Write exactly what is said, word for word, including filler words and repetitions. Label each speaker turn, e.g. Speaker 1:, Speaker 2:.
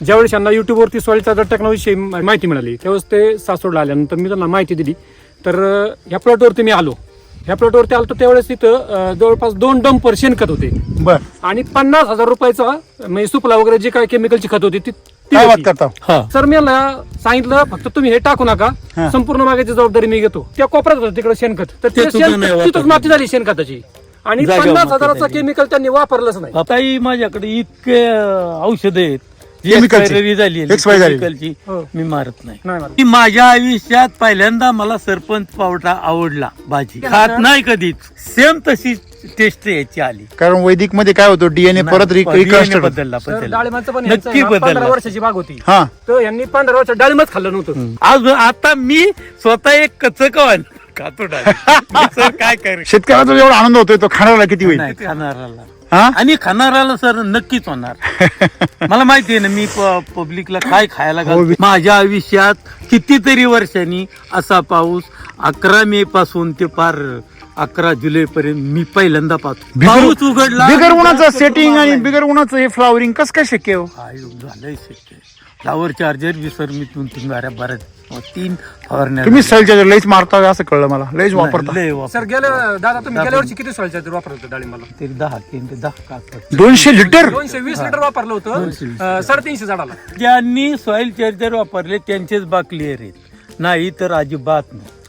Speaker 1: ज्यावेळेस यांना युट्यूबवरती सॉइल चार्जर टेक्नॉलॉजी माहिती मिळाली त्यावेळेस ते सासवडला आल्यानंतर मी त्यांना माहिती दिली. तर ह्या प्लॉटवरती मी आलो. ह्या प्लॉटवरती आलो तर त्यावेळेस तिथं जवळपास दोन डंपर शेणखत होते
Speaker 2: बर
Speaker 1: आणि पन्नास हजार रुपयाचा म्हणजे सुपला वगैरे जे काय केमिकलची खत होती ती
Speaker 2: काय बात करता.
Speaker 1: सर मी सांगितलं फक्त तुम्ही हे टाकू नका, संपूर्ण मागायची जबाबदारी मी घेतो. त्या कोपऱ्यात होतं तिकडे शेणखत, तर तिथंच माती झाली शेणखताची आणि पन्नास हजाराचा केमिकल त्यांनी वापरलंच नाही.
Speaker 3: आताही माझ्याकडे इतके औषध आहेत जी
Speaker 2: Chemicalची.
Speaker 3: expiry झाली आहे,
Speaker 2: Expiry झाली.
Speaker 3: chemicalची,
Speaker 1: हो.
Speaker 3: मी मारत नाही.
Speaker 1: नाही मारत.
Speaker 3: की माझ्या आयुष्यात पहिल्यांदा मला सरपंच पावडर आवडला. भाजी खात नाही कधीच, सेम तशी टेस्ट याची आली.
Speaker 2: कारण वैदिक मध्ये काय होतं डीएनए परत
Speaker 3: नाही, D N A
Speaker 2: रिकन्स्ट्रक्ट
Speaker 3: बदलला
Speaker 1: सर,
Speaker 3: बदलला.
Speaker 1: डाळिंबाचं पण
Speaker 3: नक्की
Speaker 1: यांचं
Speaker 3: बदलला.
Speaker 1: पंधरा वर्षाची बाग होती,
Speaker 2: हा
Speaker 1: तर यांनी पंधरा वर्ष डाळिंबच खाल्लं नव्हतं.
Speaker 3: आज आता मी स्वतः एक कच्च कवन खातो डाळिंब. सर काय करे
Speaker 2: शेतकऱ्याचा जेवढा आनंद होतोय तो खाणाऱ्याला किती होईल.
Speaker 3: नाही खाणाराला
Speaker 2: हा
Speaker 3: आणि खाणाराला सर नक्कीच होणार. मला माहिती आहे ना मी पब्लिकला काय खायला घालतो. माझ्या आयुष्यात कितीतरी वर्षांनी असा पाऊस अकरा मे पासून ते पार अकरा जुलै पर्यंत मी पहिल्यांदा पाहतो. पाऊस उघडला
Speaker 2: बिगर उन्हाचं सेटिंग आणि बिगर उन्हाचं हे फ्लावरिंग कसं काय शक्य हो.
Speaker 3: काय झालंय शक्य. फ्लावर चार्जर विसर मी दोन तीन गाड्या बऱ्याच तीन फवारण्या
Speaker 2: तुम्ही सलच्या लईच मारता असं कळलं मला. लईच वापरता.
Speaker 3: लय वापर.
Speaker 1: सर गेल्या दादा तुम्ही गेल्या वर्षी किती सॉइल चार्जर वापरलं होतं डाळिंबाला?
Speaker 3: ते दहा तीन ते दहा काकड
Speaker 2: दोनशे लिटर
Speaker 1: दोनशे वीस लिटर वापरलं होतं अं, साडेतीनशे झाडाला.
Speaker 3: ज्यांनी सॉइल चार्जर वापरले त्यांचेच बाग क्लिअर आहेत, नाही तर अजिबात नाही.